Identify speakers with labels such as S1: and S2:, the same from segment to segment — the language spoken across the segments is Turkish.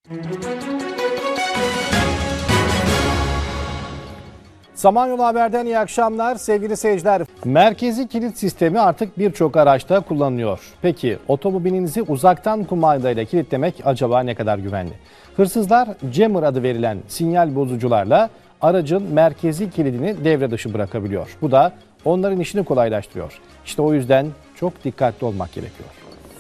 S1: Samanyolu Haber'den iyi akşamlar sevgili seyirciler. Merkezi kilit sistemi artık birçok araçta kullanılıyor. Peki otomobilinizi uzaktan kumandayla kilitlemek acaba ne kadar güvenli? Hırsızlar jammer adı verilen sinyal bozucularla aracın merkezi kilidini devre dışı bırakabiliyor. Bu da onların işini kolaylaştırıyor. İşte o yüzden çok dikkatli olmak gerekiyor.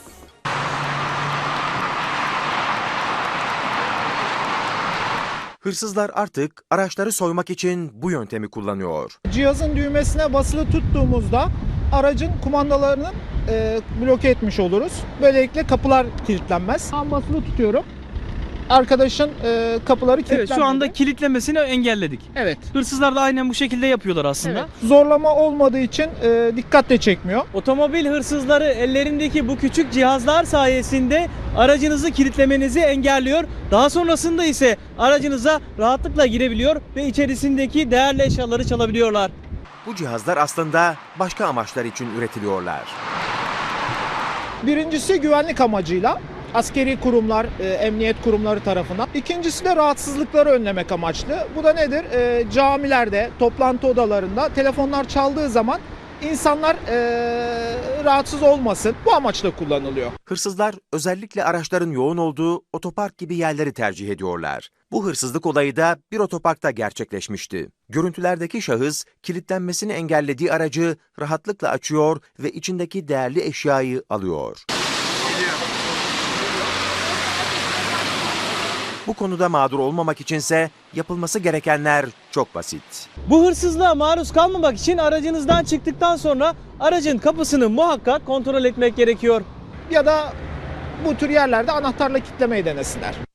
S2: Hırsızlar artık araçları soymak için bu yöntemi kullanıyor.
S3: Cihazın düğmesine basılı tuttuğumuzda aracın kumandalarını bloke etmiş oluruz. Böylelikle kapılar kilitlenmez. Tam basılı tutuyorum. Arkadaşın kapıları kilitlenmedi.
S4: Evet, şu anda kilitlemesini engelledik.
S3: Evet.
S4: Hırsızlar da aynen bu şekilde yapıyorlar aslında.
S3: Evet. Zorlama olmadığı için dikkat de çekmiyor.
S5: Otomobil hırsızları ellerindeki bu küçük cihazlar sayesinde aracınızı kilitlemenizi engelliyor. Daha sonrasında ise aracınıza rahatlıkla girebiliyor ve içerisindeki değerli eşyaları çalabiliyorlar.
S2: Bu cihazlar aslında başka amaçlar için üretiliyorlar.
S3: Birincisi güvenlik amacıyla. Askeri kurumlar, emniyet kurumları tarafından. İkincisi de rahatsızlıkları önlemek amaçlı. Bu da nedir? Camilerde, toplantı odalarında telefonlar çaldığı zaman insanlar rahatsız olmasın. Bu amaçla kullanılıyor.
S2: Hırsızlar özellikle araçların yoğun olduğu otopark gibi yerleri tercih ediyorlar. Bu hırsızlık olayı da bir otoparkta gerçekleşmişti. Görüntülerdeki şahıs kilitlenmesini engellediği aracı rahatlıkla açıyor ve içindeki değerli eşyayı alıyor. Bu konuda mağdur olmamak içinse yapılması gerekenler çok basit.
S5: Bu hırsızlığa maruz kalmamak için aracınızdan çıktıktan sonra aracın kapısını muhakkak kontrol etmek gerekiyor.
S3: Ya da bu tür yerlerde anahtarla kilitlemeyi denesinler.